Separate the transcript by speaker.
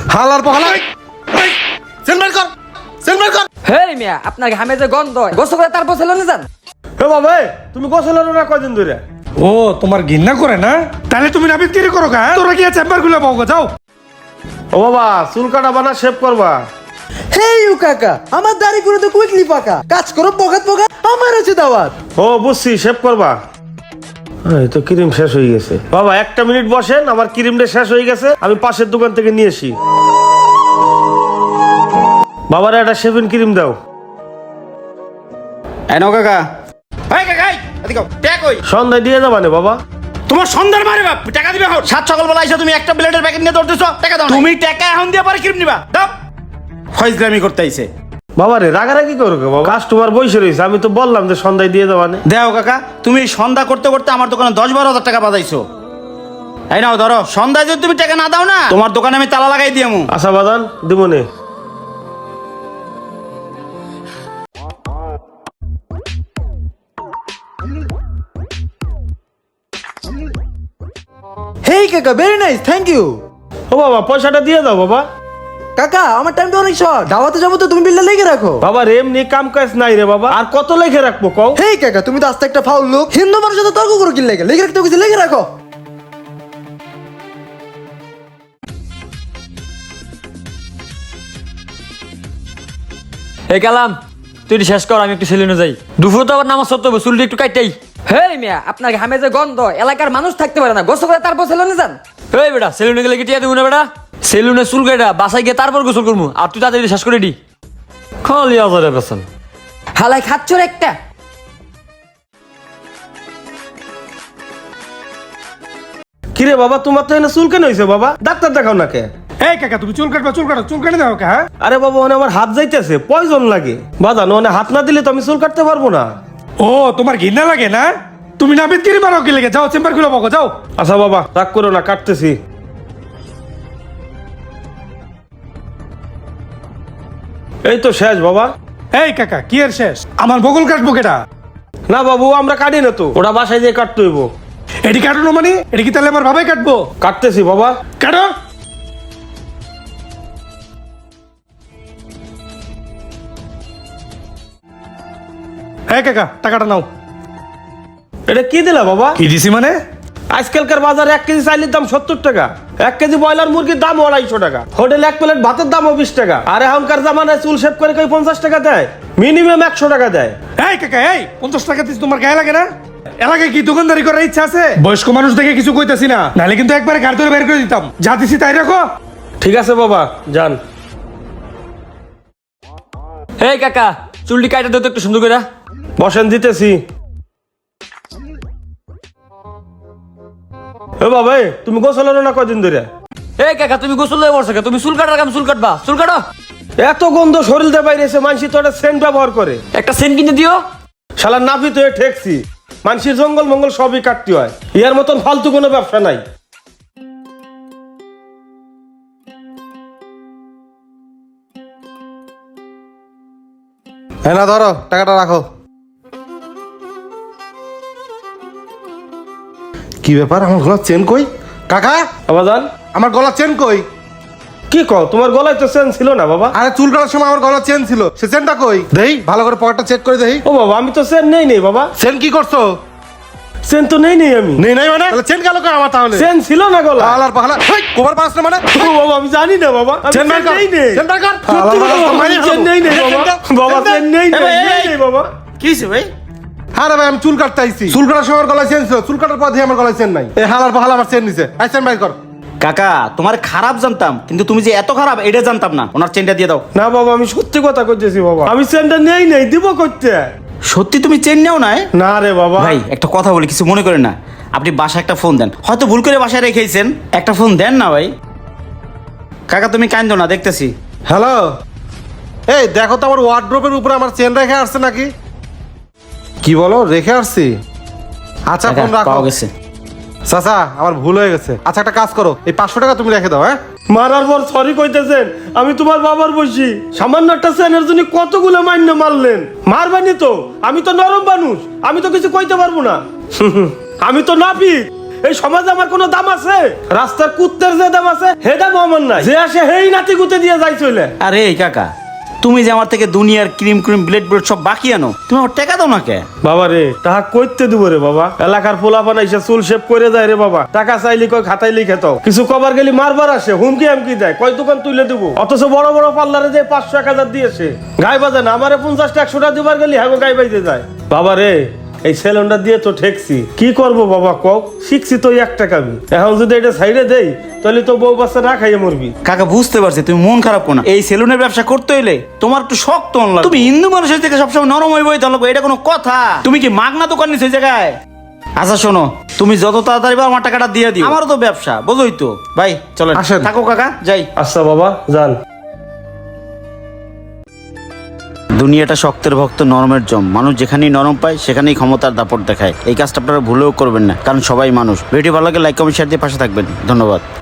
Speaker 1: হালার পাহালা সেলমেন্ট কর সেলমেন্ট কর।
Speaker 2: হে মিয়া, আপনার ঘামে যে গন্ধ, গোসল করে তারপর সেলুনে যান।
Speaker 3: হে বাবা, তুমি গোসল হলো না কয়দিন ধরে?
Speaker 4: ও তোমার ঘৃণা করে না? তাহলে তুমি নাপিতগিরি করো কা? তোরা কি চেম্বার খুলে পাও গো, যাও।
Speaker 3: ও বাবা, চুল কাটাবা না শেভ করবা?
Speaker 5: হে ইউ কাকা, আমার দাড়ি করে তো কুইকলি পাকা, কাজ করো পকাত পকা, আমার আছে দাওয়াত।
Speaker 3: ও বুঝছি, শেভ করবা। এই তো ক্রিম শেষ হয়ে গেছে। বাবা 1 মিনিট বসেন, আমার ক্রিমটা শেষ হয়ে গেছে, আমি পাশের দোকান থেকে নিয়ে আসি। বাবার একটা শেভিং ক্রিম দাও।
Speaker 1: এই নাও কাকা। এই কাকা, এদিকে টাকা কই?
Speaker 3: সন্ধ্যায় দিয়ে যাবা না বাবা?
Speaker 1: তোমার সন্ধ্যার মারে বাপ, টাকা দিবে এখন। সাত সকালবেলা আইসা তুমি একটা ব্লেডের প্যাকেট নিয়ে দৌড়তেছো, টাকা দাও। তুমি টাকা এখন দিয়ে পরে ক্রিম নিবা, দাও। ফয়জলামি করতে আইছে।
Speaker 3: বাবা রে, রাগারাগি করো কে বাবা? কাস্টমার বসে রয়েছে, আমি তো বললাম যে সন্ধ্যায় দিয়ে যাবা না।
Speaker 1: দেও কাকা, তুমি সন্ধ্যা করতে করতে আমার দোকানে 10-12 হাজার টাকা বাজাইছো। এই নাও ধরো, সন্ধ্যায় যদি তুমি টাকা না দাও না, তোমার দোকানে আমি তালা লাগাই দিয়ামু।
Speaker 3: আশা বাদান দিব নে।
Speaker 5: হেই কাকা, ভেরি নাইস, থ্যাংক ইউ।
Speaker 3: ও বাবা, পয়সাটা দিয়ে দাও বাবা।
Speaker 5: কাকা আমার টাইমটা অনেক শর্ট, দাওয়াতে যাবো তো তুমি বিলটা লিখে রাখো।
Speaker 3: বাবা রে, এমনি কাম কাজ নাই রে বাবা, আর কত লিখে রাখবো কও?
Speaker 5: হেই কাকা, তুমি তো আস্তে একটা ফাউল লোক, হিন্দু মানুষের সাথে তর্ক করো কি লাগে? লিখে রাখতে কিছু লিখে রাখো।
Speaker 2: এই কালাম, তুই এটি শেষ কর, আমি একটু সেলুনে যাই। দুপুর তো আবার নামাজ পড়তে হবে, চুলটি একটু কাটতেই। হে মিয়া, আপনার ঘামে যে গন্ধ, এলাকার মানুষ থাকতে পারে না, গোসল করে তারপর সেলুনে যান। এই বেটা, সেলুনে গেলে কি টিয়া দেবো না বেটা? সেলুনে চুল কাটা বাসায় গিয়ে তারপর গোসল করবো, আর তুই তাড়াতাড়ি শেষ করে দি। খালি আজারে পেছন হালাই খাচ্ছর একটা।
Speaker 3: কিরে বাবা, তোমার তো এনে চুল কেন হয়েছে বাবা? ডাক্তার দেখাও না কে?
Speaker 4: এই কাকা, তুমি চুল কাটবা, চুল কাটো, চুল কাটে দাও কা?
Speaker 3: আরে বাবা, ওনে আমার হাত যাইতেছে, পয়জন লাগে বাজানো, ওনে হাত না দিলে তো আমি চুল কাটতে পারবো না।
Speaker 4: ও তোমার ঘৃণা লাগে না? তুমি নাপিতগিরি পারো কি লাগে? যাও চেম্বার খুলে পাও গো, যাও।
Speaker 3: আচ্ছা বাবা, রাগ করো না, কাটতেছি। এই তো শেষ বাবা।
Speaker 4: এই কাকা, কি এর শেষ? আমার বগল কাটবো কেটা?
Speaker 3: না বাবু, আমরা কাটি না তো, ওটা বাসায় যেয়ে কাটতে হইব।
Speaker 4: এটি কাটানো মানে এটি কি তাহলে আমার ভাবে কাটবো?
Speaker 3: কাটতেছি বাবা।
Speaker 4: কাটো। হ্যাঁ কাকা, টাকাটা নাও।
Speaker 3: এটা কি দিলা বাবা?
Speaker 4: কি দিছি মানে?
Speaker 3: আজকালকার বাজারে 1 কেজি চাইলের দাম 70 টাকা, 1 কেজি ব্রয়লার মুরগির দাম 250 টাকা, হোটেলে 1 প্লেট ভাতের দামও 20 টাকা, আর এখনকার জামানায় চুল শেভ করে কেউ 50 টাকা দেয়? মিনিমাম 100 টাকা দেয়।
Speaker 4: এই কাকা, এই 50 টাকা দিস, তোমার গায়ে লাগে না? এলাকায় কি দোকানদারি করার ইচ্ছা আছে? বয়স্ক মানুষ দেখে কিছু কইতাছি না, নাহলে কিন্তু একবারে গাড়ি ধরে বের করে দিতাম। যা দিছি তাই রাখো।
Speaker 3: ঠিক আছে বাবা, যান।
Speaker 2: এই কাকা, চুলটি কাটা দিও তো একটু সুন্দর করে।
Speaker 3: বসেন, দিতেছি। এ বাবা, তুমি গোসল হলো না কয়দিন ধরে?
Speaker 2: এই কাকা, তুমি গোসল হয়ে বসে, তুমি চুল কাটার কাম চুল কাটবা, চুল কাটো।
Speaker 3: এত গন্ধ শরীর দিয়ে বাইরেছে, মানুষ তো একটা সেন্ট ব্যবহার করে।
Speaker 2: একটা সেন্ট কিনে দিও।
Speaker 3: শালা নাপিত হয়ে ঠেকছি, মানুষের জঙ্গল মঙ্গল সবই কাটতে হয়, ইয়ার মতন ফালতু কোনো ব্যবসা নাই।
Speaker 1: হ্যাঁ না, ধরো টাকাটা রাখো। কি ব্যাপার, আমার গলার চেন কই? কাকা,
Speaker 3: আবাজান,
Speaker 1: আমার গলার চেন কই?
Speaker 3: কি কও, তোমার গলায় তো চেন ছিল না বাবা?
Speaker 1: আরে চুল কাটার সময় আমার গলার চেন ছিল, সে চেনটা কই? দেই, ভালো করে পকেটটা চেক করে দেই।
Speaker 3: ও বাবা, আমি তো চেন নেই বাবা।
Speaker 1: চেন কি করছো?
Speaker 3: চেন তো নেই আমি।
Speaker 1: নেই নাই মানে? তাহলে চেন গেল কই আমার? তাহলে
Speaker 3: চেন ছিল না গলা।
Speaker 1: হালার পাহালা, হেই কোবার পাস না মানে?
Speaker 3: ও বাবা, আমি জানি না বাবা, আমি
Speaker 1: চেন বের কর,
Speaker 3: নেই।
Speaker 1: চেন বের কর।
Speaker 3: সত্যি কথা বাবা, আমি চেন নেই বাবা। বাবা, চেন নেই বাবা।
Speaker 1: কি হইছে ভাই? আরে ভাই, আমি চুল কাটতে আইছি, চুল কাটার সময় আমার গলায় চেন ছিল, চুল কাটার পর দিয়ে আমার গলায় চেন নাই। এই হালার পাহালা আমার চেন নিছে, আই চেন বের কর।
Speaker 6: কাকা, তোমার খারাপ জানতাম, কিন্তু তুমি যে এত খারাপ এটা জানতাম না। ওনার চেনটা দিয়ে দাও।
Speaker 3: না বাবা, আমি সত্যি কথা কইতেছি বাবা, আমি চেনটা নেই, দিব কইতে।
Speaker 6: সত্যি তুমি চেন নেও নাই?
Speaker 3: না রে বাবা।
Speaker 6: ভাই একটা কথা বলি, কিছু মনে করেন না। আপনি বাসায় একটা ফোন দেন, হয়তো ভুল করে বাসায় রেখেছেন, একটা ফোন দেন না ভাই। কাকা তুমি কান্দো না, দেখতেছি।
Speaker 1: হ্যালো, এই দেখো তো আমার ওয়ার্ড্রোবের উপরে আমার চেন রেখে আসছে নাকি? কি বলো, রেখে আসছি? আচ্ছা,
Speaker 6: কাকা,
Speaker 1: ফোন রাখো।
Speaker 6: পাওয়া গেছে।
Speaker 1: চাচা, আমার ভুল হয়ে গেছে। আচ্ছা, একটা কাজ করো, এই 500 টাকা তুমি রেখে দাও। হ্যাঁ,
Speaker 3: মারার পর সরি কইতেছেন, আমি তোমার বাবার বসি, সামান্য একটা চেনের জন্য কতগুলো মান্য মারলেন। মারবানি তো, আমি তো নরম মানুষ, আমি তো কিছু কইতে পারবো না। আমি তো নাপিত, এই সমাজে আমার কোনো দাম আছে? রাস্তার কুত্তের যে দাম আছে হে দাম আমার নাই, যে আসে হেই নাতি গুতে দিয়ে যাই চলে।
Speaker 6: আরে এই কাকা, তুমি যে আমার থেকে দুনিয়ার ক্রিম ব্লেড সব বাকি আনো, তুমি আমার টাকা দাও না কে?
Speaker 3: বাবা রে তাহা কইতে দিব রে বাবা, এলাকার পোলাপান এসে চুল শেভ করে যায় রে বাবা, টাকা চাইলি কয় খাতায় লিখে দাও, কিছু কবার গেলি মারবার আসে, হুমকি হামকি দেয়, কয় দোকান তুলে দিব, অথচ বড় বড় পার্লারে যে 500-1000 দিয়েছে, গায়ে বাজে না, আমারে 50-100 টাকা দিবার গেলি হ্যাঁ গায়ে বাজে যায়। বাবা রে এই সেলুনটা দিয়ে তো ঠেকছি, কি করব বাবা কও, শিখছি তো 1 টাকা আমি, এখন যদি এটা সাইডে দেই তাহলে তো বউ বাচ্চা না খাইয়ে মরবি।
Speaker 6: কাকা বুঝতে পারছি তুমি মন খারাপ করো না, এই সেলুনের ব্যবসা করতে হইলে তোমার একটু শক্ত হন লাগবে। তুমি হিন্দু মানুষের থেকে সবসময় নরম হয়ে বইতে লাগবে, এটা কোনো কথা? তুমি কি মাগনা দোকান নিছো এই জায়গায়? আচ্ছা শোনো, তুমি যত তাড়াতাড়ি পারো আমার টাকাটা দিয়ে দিও, আমারও তো ব্যবসা বোঝোই তো। ভাই চলো
Speaker 3: আসেন।
Speaker 6: থাকো কাকা, যাই।
Speaker 3: আচ্ছা বাবা যান।
Speaker 6: দুনিয়াটা শক্তের ভক্ত নরমের জম, মানুষ যেখানেই নরম পায় সেখানেই ক্ষমতার দাপট দেখায়। এই কাজটা আপনারা ভুলেও করবেন না, কারণ সবাই মানুষ। ভিডিও ভালো লাগে লাইক কমেন্ট শেয়ার দিয়ে পাশে থাকবেন। ধন্যবাদ।